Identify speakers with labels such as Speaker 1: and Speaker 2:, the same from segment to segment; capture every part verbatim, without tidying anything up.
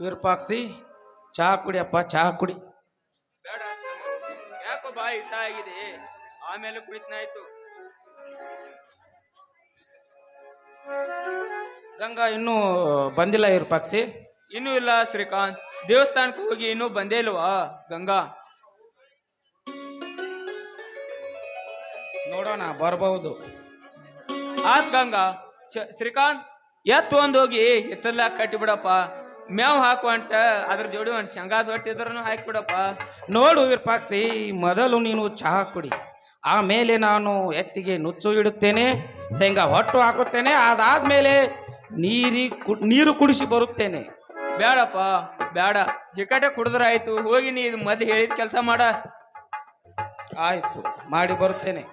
Speaker 1: ವಿರೂಪಾಕ್ಷಿ ಚಹಾ ಕುಡಿಯಪ್ಪ ಚಹಾ ಕುಡಿ.
Speaker 2: ಬೇಡ ಯಾಕೋ ಬಾಯಿ ಇಸ ಆಗಿದೆ, ಆಮೇಲೆ ಕುಡಿತನಾಯ್ತು.
Speaker 1: ಗಂಗಾ ಇನ್ನೂ ಬಂದಿಲ್ಲ ವಿರೂಪಾಕ್ಷಿ?
Speaker 2: ಇನ್ನೂ ಇಲ್ಲ ಶ್ರೀಕಾಂತ್, ದೇವಸ್ಥಾನಕ್ಕೆ ಹೋಗಿ ಇನ್ನೂ ಬಂದೇ ಇಲ್ವಾ ಗಂಗಾ?
Speaker 1: ನೋಡೋಣ ಬರಬಹುದು.
Speaker 2: ಆತ್ ಗಂಗಾ. ಚ ಶ್ರೀಕಾಂತ್ ಎತ್ತು ಒಂದ್ ಹೋಗಿ ಎತ್ತಲ್ಲ ಕಟ್ಟಿಬಿಡಪ್ಪ, ಮೇವ್ ಹಾಕುವಂಟ ಅದ್ರ ಜೋಡಿ ಒಂದು ಶೇಂಗಾದ ಹೊಟ್ಟಿದ್ರೂ ಹಾಕಿಬಿಡಪ್ಪ.
Speaker 1: ನೋಡು ವಿರೂಪಾಕ್ಷಿ, ಮೊದಲು ನೀನು ಚಹಾ ಕುಡಿ, ಆಮೇಲೆ ನಾನು ಎತ್ತಿಗೆ ನುಚ್ಚು ಇಡುತ್ತೇನೆ, ಶೇಂಗಾ ಹೊಟ್ಟು ಹಾಕುತ್ತೇನೆ, ಅದಾದ್ಮೇಲೆ ನೀರಿ ಕು ನೀರು ಕುಡಿಸಿ ಬರುತ್ತೇನೆ.
Speaker 2: ಬೇಡಪ್ಪ ಬೇಡ, ಹಿಕಟೆ ಕುಡಿದ್ರೆ ಆಯ್ತು. ಹೋಗಿ ನೀ ಮೊದಲು ಹೇಳಿದ ಕೆಲಸ ಮಾಡ.
Speaker 1: ಆಯ್ತು, ಮಾಡಿ ಬರುತ್ತೇನೆ.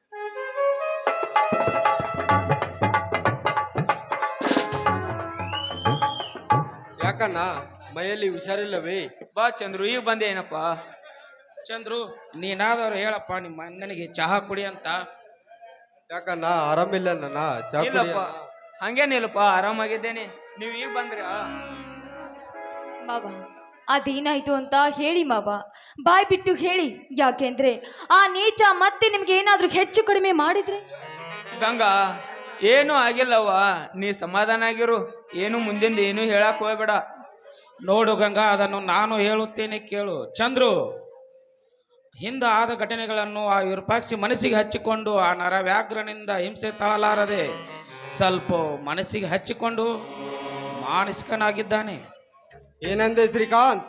Speaker 3: ಯಾಕಣ್ಣ ಮೈಯಲ್ಲಿ ಹುಷಾರಿಲ್ಲವೇ?
Speaker 2: ಬಾ ಚಂದ್ರು, ಈಗ ಬಂದೆ ಏನಪ್ಪ?
Speaker 1: ಚಂದ್ರು, ನೀನಾದರೂ ಹೇಳಪ್ಪ ನಿಮ್ಮ ಅಣ್ಣನಿಗೆ ಚಹಾ ಕುಡಿ ಅಂತ.
Speaker 3: ಯಾಕಣ್ಣ ಆರಾಮಿಲ್ಲ ನನ್ನ? ಚಾ
Speaker 2: ಇಲ್ಲಪ್ಪ ಹಂಗೇನಿಲ್ಲಪ್ಪ, ಆರಾಮಾಗಿದ್ದೇನೆ. ನೀವು ಈಗ ಬಂದ್ರ?
Speaker 4: ಮಾವ ಅದೇನಾಯ್ತು ಅಂತ ಹೇಳಿ ಮಾವ, ಬಾಯ್ ಬಿಟ್ಟು ಹೇಳಿ. ಯಾಕೆಂದ್ರೆ ಆ ನೀಚ ಮತ್ತೆ ನಿಮ್ಗೆ ಏನಾದ್ರೂ ಹೆಚ್ಚು ಕಡಿಮೆ ಮಾಡಿದ್ರೆ?
Speaker 2: ಗಂಗಾ ಏನು ಆಗಿಲ್ಲವ್ವ, ನೀ ಸಮಾಧಾನ ಆಗಿರು. ಏನು ಮುಂದಿಂದ ಏನು ಹೇಳಕ್ ಹೋಗ್ಬೇಡ.
Speaker 1: ನೋಡು ಗಂಗಾ, ಅದನ್ನು ನಾನು ಹೇಳುತ್ತೇನೆ ಕೇಳು. ಚಂದ್ರು, ಹಿಂದ ಆದ ಘಟನೆಗಳನ್ನು ಆ ವಿರೂಪಾಕ್ಷಿ ಮನಸ್ಸಿಗೆ ಹಚ್ಚಿಕೊಂಡು ಆ ನರವ್ಯಾಘ್ರನಿಂದ ಹಿಂಸೆ ತಾಳಲಾರದೆ ಸ್ವಲ್ಪ ಮನಸ್ಸಿಗೆ ಹಚ್ಚಿಕೊಂಡು ಮಾನಸಿಕನಾಗಿದ್ದಾನೆ.
Speaker 3: ಏನಂದೆ ಶ್ರೀಕಾಂತ್?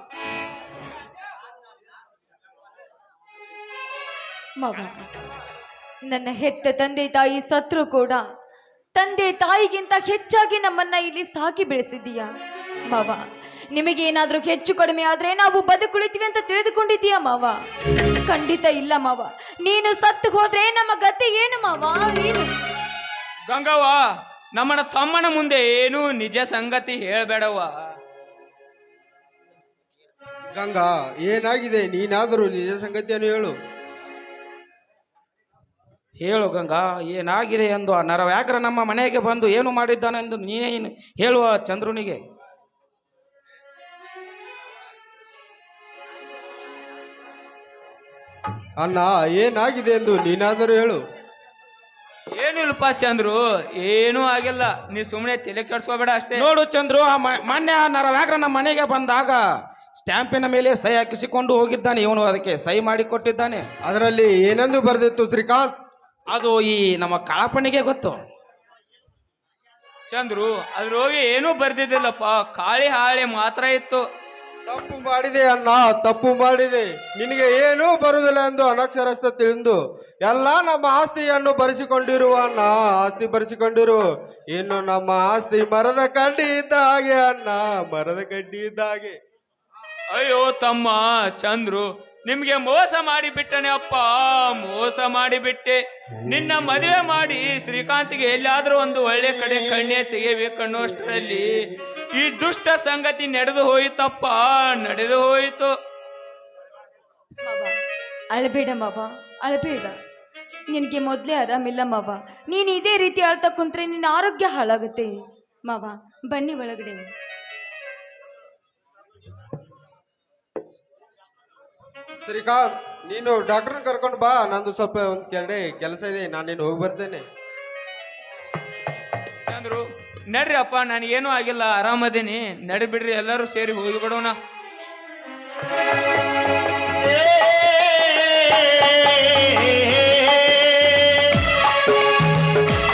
Speaker 4: ಮಾವ, ನನ್ನ ಹೆತ್ತ ತಂದೆ ತಾಯಿ ಸತ್ರು ಕೂಡ ತಂದೆ ತಾಯಿಗಿಂತ ಹೆಚ್ಚಾಗಿ ನಮ್ಮನ್ನ ಇಲ್ಲಿ ಸಾಕಿ ಬೆಳೆಸಿದೀಯ ಮಾವ. ನಿಮಗೆ ಏನಾದ್ರೂ ಹೆಚ್ಚು ಕಡಿಮೆ ಆದ್ರೆ ನಾವು ಬದುಕುಳಿತೀವಿ ಅಂತ ತಿಳಿದುಕೊಂಡಿದ್ದೀಯಾ ಮಾವ? ಖಂಡಿತ ಇಲ್ಲ ಮಾವ. ನೀನು ಸತ್ತು ಹೋದ್ರೆ ನಮ್ಮ ಗತಿ ಏನು ಮಾವ? ಏನು?
Speaker 2: ಗಂಗವ್ವ, ನಮ್ಮನ ತಮ್ಮನ ಮುಂದೆ ಏನು ನಿಜ ಸಂಗತಿ ಹೇಳ್ಬೇಡವ್ವ.
Speaker 3: ಗಂಗಾ ಏನಾಗಿದೆ? ನೀನಾದರೂ ನಿಜ ಸಂಗತಿಯನ್ನು ಹೇಳು.
Speaker 1: ಹೇಳು ಗಂಗಾ, ಏನಾಗಿದೆ ಎಂದು. ಆ ನರವ್ಯಾಘ್ರ ನಮ್ಮ ಮನೆಗೆ ಬಂದು ಏನು ಮಾಡಿದ್ದಾನೆಂದು ನೀನೇನು ಹೇಳುವ ಚಂದ್ರುನಿಗೆ?
Speaker 3: ಅಣ್ಣ ಏನಾಗಿದೆ ಎಂದು ನೀನಾದರೂ ಹೇಳು.
Speaker 2: ಏನು ಇಲ್ಪ ಚಂದ್ರು, ಏನೂ ಆಗಿಲ್ಲ. ನೀ ಸುಮ್ಮನೆ ತಲೆ ಕೆಡ್ಸ್ಕೋಬೇಡ ಅಷ್ಟೇ.
Speaker 1: ನೋಡು ಚಂದ್ರು, ಆ ಮೊನ್ನೆ ಆ ನರವ್ಯಾಘ್ರ ನಮ್ಮ ಮನೆಗೆ ಬಂದಾಗ ಸ್ಟ್ಯಾಂಪಿನ ಮೇಲೆ ಸಹಿ ಹಾಕಿಸಿಕೊಂಡು ಹೋಗಿದ್ದಾನೆ. ಇವನು ಅದಕ್ಕೆ ಸಹಿ ಮಾಡಿ ಕೊಟ್ಟಿದ್ದಾನೆ.
Speaker 3: ಅದರಲ್ಲಿ ಏನೆಂದು ಬರೆದಿತ್ತು ಶ್ರೀಕಾಂತ್?
Speaker 1: ಅದು ಈ ನಮ್ಮ ಕಾಳಪ್ಪನಿಗೆ ಗೊತ್ತು.
Speaker 2: ಚಂದ್ರು, ಅದ್ರೋಗಿ ಏನೂ ಬರ್ದಿದ್ದಿಲ್ಲಪ್ಪ, ಖಾಳಿ ಹಾಳೆ ಮಾತ್ರ ಇತ್ತು.
Speaker 3: ತಪ್ಪು ಮಾಡಿದೆ ಅಣ್ಣ, ತಪ್ಪು ಮಾಡಿದೆ. ನಿನಗೆ ಏನೂ ಬರುವುದಿಲ್ಲ ಎಂದು ಅನಕ್ಷರಸ್ಥ ತಿಳಿದು ಎಲ್ಲ ನಮ್ಮ ಆಸ್ತಿಯನ್ನು ಬರೆಸಿಕೊಂಡಿರುವ ಅಣ್ಣ, ಆಸ್ತಿ ಬರೆಸಿಕೊಂಡಿರು. ಇನ್ನು ನಮ್ಮ ಆಸ್ತಿ ಮರದ ಕಡ್ಡಿ ಇದ್ದ ಹಾಗೆ ಅಣ್ಣ, ಮರದ ಕಡ್ಡಿ ಇದ್ದ ಹಾಗೆ.
Speaker 2: ಅಯ್ಯೋ ತಮ್ಮ ಚಂದ್ರು, ನಿಮ್ಗೆ ಮೋಸ ಮಾಡಿ ಬಿಟ್ಟನೆ ಅಪ್ಪ, ಮೋಸ ಮಾಡಿಬಿಟ್ಟೆ. ನಿನ್ನ ಮದುವೆ ಮಾಡಿ ಶ್ರೀಕಾಂತ್ಗೆ ಎಲ್ಲಾದ್ರೂ ಒಂದು ಒಳ್ಳೆ ಕಡೆ ಕಣ್ಣೆ ತೆಗೆಯಬೇಕನ್ನೋಷ್ಟರಲ್ಲಿ ಈ ದುಷ್ಟ ಸಂಗತಿ ನಡೆದು ಹೋಯಿತಪ್ಪ, ನಡೆದು ಹೋಯಿತು.
Speaker 4: ಮಾವ ಅಳಬೇಡ ಮಾವ, ಅಳಬೇಡ. ನಿನಗೆ ಮೊದಲೇ ಆರಾಮಿಲ್ಲ ಮಾವ. ನೀನು ಇದೇ ರೀತಿ ಅಳ್ತಾ ಕುಂತ್ರೆ ನಿನ್ನ ಆರೋಗ್ಯ ಹಾಳಾಗುತ್ತೆ ಮಾವ. ಬನ್ನಿ ಒಳಗಡೆ.
Speaker 3: ಶ್ರೀಕಾಂತ್, ನೀನು ಡಾಕ್ಟರ್ನ ಕರ್ಕೊಂಡು ಬಾ. ನಂದು ಸ್ವಲ್ಪ ಒಂದು ಕೆಲ ಕೆಲಸ ಇದೆ, ನಾನೇನು ಹೋಗಿ ಬರ್ತೇನೆ.
Speaker 2: ಚಂದ್ರು ನಡ್ರಿ ಅಪ್ಪ, ನನಗೇನು ಆಗಿಲ್ಲ, ಆರಾಮದೇನಿ. ನಡಿ ಬಿಡ್ರಿ, ಎಲ್ಲರೂ ಸೇರಿ ಹೋಗಿ ಬಿಡೋಣ.